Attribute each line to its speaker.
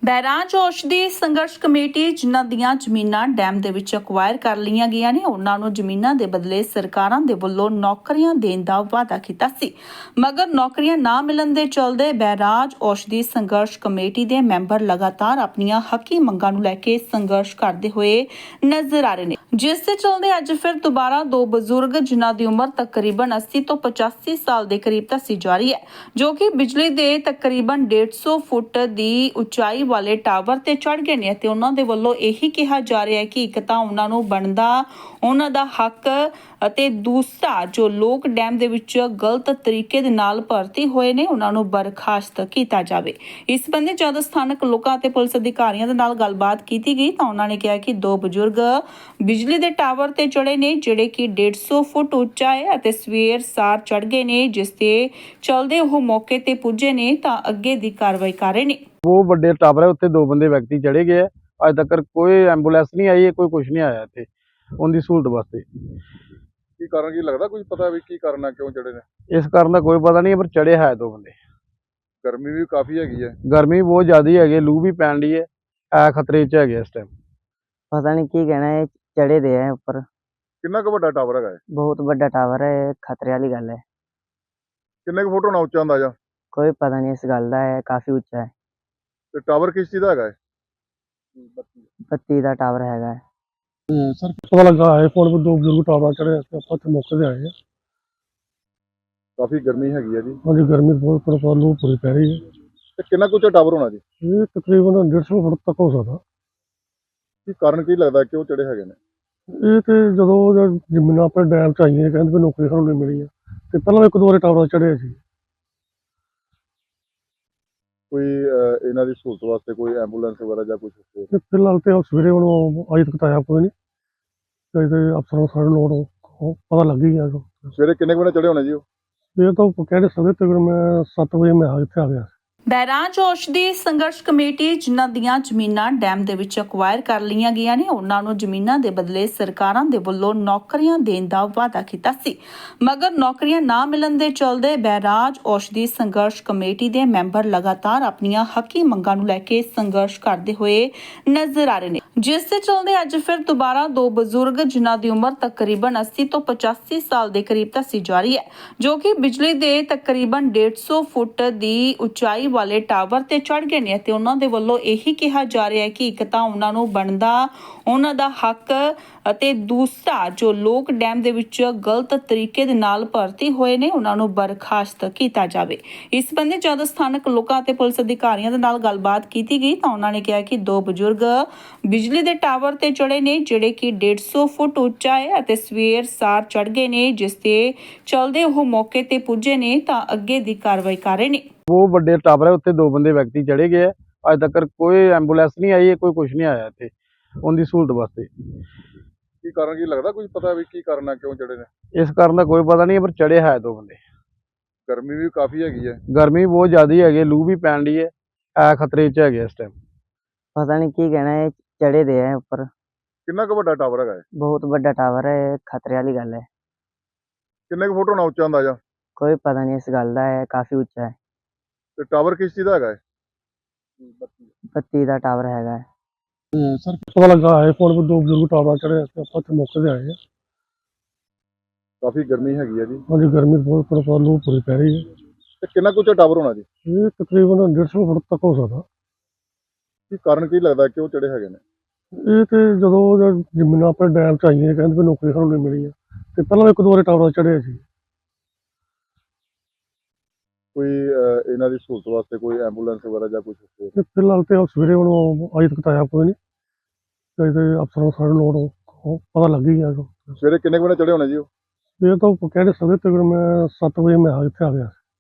Speaker 1: ਬਹਿਰਾਜ ਔਸ਼ਧੀ ਸੰਘਰਸ਼ ਕਮੇਟੀ ਜਿਨ੍ਹਾਂ ਦੀਆਂ ਜ਼ਮੀਨਾਂ ਡੈਮ ਦੇ ਵਿੱਚ ਅਕਵਾਇਰ ਕਰ ਲਈਆਂ ਗਈਆਂ ਨੇ ਉਹਨਾਂ ਨੂੰ ਜ਼ਮੀਨਾਂ ਦੇ ਬਦਲੇ ਸਰਕਾਰਾਂ ਦੇ ਵੱਲੋਂ ਨੌਕਰੀਆਂ ਦੇਣ ਦਾ ਵਾਅਦਾ ਕੀਤਾ ਸੀ, ਮਗਰ ਨੌਕਰੀਆਂ ਨਾ ਮਿਲਣ ਦੇ ਚਲਦੇ ਬਹਿਰਾਜ ਔਸ਼ਧੀ ਸੰਘਰਸ਼ ਕਮੇਟੀ ਦੇ ਮੈਂਬਰ ਲਗਾਤਾਰ ਆਪਣੀਆਂ ਹੱਕੀ ਮੰਗਾਂ ਨੂੰ ਲੈ ਕੇ ਸੰਘਰਸ਼ ਕਰਦੇ ਹੋਏ ਨਜ਼ਰ ਆ ਰਹੇ ਨੇ, ਜਿਸ ਦੇ ਚਲਦੇ ਅੱਜ ਫਿਰ ਦੁਬਾਰਾ ਦੋ ਬਜ਼ੁਰਗ ਜਿਨ੍ਹਾਂ ਦੀ ਉਮਰ ਤਕਰੀਬਨ 80 ਤੋਂ 85 ਸਾਲ ਦੇ ਕਰੀਬ ਦੱਸੀ ਜਾ ਰਹੀ ਹੈ, ਜੋ ਕਿ ਬਿਜਲੀ ਦੇ ਤਕਰੀਬਨ 150 ਫੁੱਟ ਦੀ ਉਚਾਈ ਵਾਲੇ ਟਾਵਰ ਤੇ ਚੜ ਗਏ ਨੇ ਤੇ ਉਹਨਾਂ ਦੇ ਵੱਲੋਂ ਇਹੀ ਕਿਹਾ ਜਾ ਰਿਹਾ ਹੈ ਕਿ ਇੱਕ ਤਾਂ ਉਹਨਾਂ ਨੂੰ ਬਣਦਾ ਉਹਨਾਂ ਦਾ ਹੱਕ ਅਤੇ ਦੂਸਰਾ ਜੋ ਲੋਕ ਡੈਮ ਦੇ ਵਿੱਚ ਗਲਤ ਤਰੀਕੇ ਦੇ ਨਾਲ ਭਰਤੀ ਹੋਏ ਨੇ ਉਹਨਾਂ ਨੂੰ ਬਰਖਾਸਤ ਕੀਤਾ ਜਾਵੇ। ਇਸ ਸੰਬੰਧੀ ਜਦ ਸਥਾਨਕ ਲੋਕਾਂ ਅਤੇ ਪੁਲਿਸ ਅਧਿਕਾਰੀਆਂ ਦੇ ਨਾਲ ਗੱਲਬਾਤ ਕੀਤੀ ਗਈ ਤਾਂ ਉਹਨਾਂ ਨੇ ਕਿਹਾ ਕਿ ਦੋ ਬਜ਼ੁਰਗ ਬਿਜਲੀ ਦੇ ਟਾਵਰ ਤੇ ਚੜੇ ਨੇ ਜਿਹੜੇ ਕਿ 150 ਫੁੱਟ ਉੱਚਾ ਹੈ ਅਤੇ ਸਵੇਰ ਸਾਰ ਚੜ ਗਏ ਨੇ, ਜਿਸ ਦੇ ਚਲਦੇ ਉਹ ਮੌਕੇ ਤੇ ਪੁੱਜੇ ਨੇ ਤਾਂ ਅੱਗੇ ਦੀ ਕਾਰਵਾਈ ਕਰ ਰਹੇ ਨੇ।
Speaker 2: वो बड़े टावर है उत्ते दो बंदे व्यक्ति चढ़े गए है। अज तक कोई एंबुलेंस नहीं आई है, कोई कुछ नहीं आया इत्थे उनकी सहूलत वास्ते।
Speaker 3: की कारण की लगता कुछ पता है की कारण है क्यों चढ़े ने?
Speaker 2: इस कारण का कोई पता नहीं है, पर चढ़े है दो बंदे।
Speaker 3: गर्मी भी काफी हैगी है।
Speaker 2: गर्मी बहुत ज्यादा है, लू भी पैन दी है खतरे च है इस टाइम।
Speaker 4: पता नहीं की कहना है, चढ़े दे है ऊपर।
Speaker 3: कितना क बड़ा टावर है?
Speaker 4: बहुत बड़ा टावर है, खतरे वाली गल है।
Speaker 3: किन्ने क फुट होना उच्चा अंदाजा?
Speaker 4: कोई पता नहीं इस गल का है, काफी उच्चा है।
Speaker 3: ते टावर किस चीज का है?
Speaker 4: बत्ती का टावर है।
Speaker 5: सर पता लगा है फोन पर दो बुजुर्ग टावर चढ़े आप मौके से आए हैं।
Speaker 3: काफी गर्मी हैगी है जी।
Speaker 5: हाँ जी, गर्मी बहुत पर लू पूरी पै रही है।
Speaker 3: ते कितना क उच्चा टावर होना जी?
Speaker 5: ये तकरीबन 150 फुट तक हो सकता।
Speaker 3: की कारण की लगता क्यों चढ़े हैगे ने?
Speaker 5: ये तो जो जमीन अपने डैम च आई कहते नौकरी सानू नहीं मिली है, तो पहला एक दो बार टावर चढ़े सी।
Speaker 3: कोई इन्हां दी सहूलत वास्ते कोई एंबुलेंस वगैरह या कुछ?
Speaker 5: ते फिलहाल तो सवेरे हम अज तक आया कोई नहीं, तो अफसरों सारे लोड पता लग ही गया।
Speaker 3: सवेरे किन्ने बजे चढ़े होने जी?
Speaker 5: ये तो कह नहीं सकते, तकरीबन मैं 7 बजे मैं इत्थे आ गया।
Speaker 1: ਬਹਿਰਾਜ ਔਸ਼ਧੀ ਸੰਘਰਸ਼ ਕਮੇਟੀ ਜਿਨ੍ਹਾਂ ਦੀਆਂ ਜ਼ਮੀਨਾਂ ਡੈਮ ਦੇ ਵਿੱਚ ਅਕਵਾਇਰ ਕਰ ਲਈਆਂ ਗਈਆਂ ਨੇ ਉਹਨਾਂ ਨੂੰ ਜ਼ਮੀਨਾਂ ਦੇ ਬਦਲੇ ਸਰਕਾਰਾਂ ਦੇ ਵੱਲੋਂ ਨੌਕਰੀਆਂ ਦੇਣ ਦਾ ਵਾਅਦਾ ਕੀਤਾ ਸੀ, ਮਗਰ ਨੌਕਰੀਆਂ ਨਾ ਮਿਲਣ ਦੇ ਚਲਦੇ ਬਹਿਰਾਜ ਔਸ਼ਧੀ ਸੰਘਰਸ਼ ਕਮੇਟੀ ਦੇ ਮੈਂਬਰ ਲਗਾਤਾਰ ਆਪਣੀਆਂ ਹੱਕੀ ਮੰਗਾਂ ਨੂੰ ਲੈ ਕੇ ਸੰਘਰਸ਼ ਕਰਦੇ ਹੋਏ ਨਜ਼ਰ ਆ ਰਹੇ ਨੇ, ਜਿਸ ਦੇ ਚਲਦੇ ਅੱਜ ਫਿਰ ਦੁਬਾਰਾ ਦੋ ਬਜ਼ੁਰਗ ਜਿਨ੍ਹਾਂ ਦੀ ਉਮਰ ਤਕਰੀਬਨ 80 ਤੋਂ 85 ਸਾਲ ਦੇ ਕਰੀਬ ਦੱਸੀ ਜਾ ਰਹੀ ਹੈ, ਜੋ ਕਿ ਬਿਜਲੀ ਦੇ ਤਕਰੀਬਨ 150 ਫੁੱਟ ਦੀ ਉਚਾਈ ਵਾਲੇ ਟਾਵਰ ਤੇ ਚੜ ਗਏ ਨੇ ਤੇ ਉਹਨਾਂ ਦੇ ਵੱਲੋਂ ਇਹੀ ਕਿਹਾ ਜਾ ਰਿਹਾ ਹੈ ਕਿ ਇੱਕ ਤਾਂ ਉਹਨਾਂ ਨੂੰ ਬਣਦਾ ਉਹਨਾਂ ਦਾ ਹੱਕ ਅਤੇ ਦੂਸਰਾ ਜੋ ਲੋਕ ਡੈਮ ਦੇ ਵਿੱਚ ਗਲਤ ਤਰੀਕੇ ਦੇ ਨਾਲ ਭਰਤੀ ਹੋਏ ਨੇ ਉਹਨਾਂ ਨੂੰ ਬਰਖਾਸਤ ਕੀਤਾ ਜਾਵੇ। ਇਸ ਸੰਬੰਧੀ ਜਦ ਸਥਾਨਕ ਲੋਕਾਂ ਅਤੇ ਪੁਲਿਸ ਅਧਿਕਾਰੀਆਂ ਦੇ ਨਾਲ ਗੱਲਬਾਤ ਕੀਤੀ ਗਈ ਤਾਂ ਉਹਨਾਂ ਨੇ ਕਿਹਾ ਕਿ ਦੋ ਬਜ਼ੁਰਗ ਬਿਜਲੀ ਦੇ ਟਾਵਰ ਤੇ ਚੜੇ ਨੇ ਜਿਹੜੇ ਕਿ 150 ਫੁੱਟ ਉੱਚਾ ਹੈ ਅਤੇ ਸਵੇਰ ਸਾਰ ਚੜ ਗਏ ਨੇ, ਜਿਸ ਦੇ ਚਲਦੇ ਉਹ ਮੌਕੇ ਤੇ ਪੁੱਜੇ ਨੇ ਤਾਂ ਅੱਗੇ ਦੀ ਕਾਰਵਾਈ ਕਰ ਰਹੇ ਨੇ।
Speaker 2: वो बड़े टावर है उत्ते दो बंदे व्यक्ति चढ़े गए है। अज तक कोई एंबुलेंस नहीं आई है, कोई कुछ नहीं आया इत्थे उनकी सहूलत वास्ते।
Speaker 3: की कारण की लगता कुछ पता है की कारण है क्यों चढ़े ने?
Speaker 2: इस कारण का कोई पता नहीं है, पर चढ़े है दो बंदे।
Speaker 3: गर्मी भी काफी हैगी है।
Speaker 2: गर्मी बहुत ज्यादा है, लू भी पैन दी है खतरे च है इस टाइम।
Speaker 4: पता नहीं की कहना है, चढ़े दे है ऊपर।
Speaker 3: कितना क बड़ा टावर है?
Speaker 4: बहुत बड़ा टावर है, खतरे वाली गल है।
Speaker 3: किन्ने क फुट होना उच्चा अंदाजा?
Speaker 4: कोई पता नहीं इस गल का है, काफी उच्चा है।
Speaker 3: ते टावर किस चीज का है?
Speaker 4: बत्ती का टावर है।
Speaker 5: सर पता लगा है फोन पर दो बुजुर्ग टावर चढ़े आप मौके से आए हैं।
Speaker 3: काफी गर्मी हैगी है जी।
Speaker 5: हाँ जी, गर्मी बहुत पर लू पूरी पै रही है।
Speaker 3: ते कितना क उच्चा टावर होना जी?
Speaker 5: ये तकरीबन 150 फुट तक हो सकता।
Speaker 3: की कारण की लगता क्यों चढ़े हैगे ने?
Speaker 5: ये तो जो जमीन अपने डैम च आई कहते नौकरी सानू नहीं मिली है, तो पहला एक दो बार टावर चढ़े सी।
Speaker 3: कोई इन्हां दी सहूलत वास्ते कोई एंबुलेंस वगैरह या कुछ?
Speaker 5: ते फिलहाल तो सवेरे हम अज तक आया कोई नहीं, तो अफसरों सारे लोड पता लग ही गया।
Speaker 3: सवेरे किन्ने बजे चढ़े होने जी?
Speaker 5: ये तो कह नहीं सकते, तकरीबन मैं 7 बजे मैं इत्थे आ गया।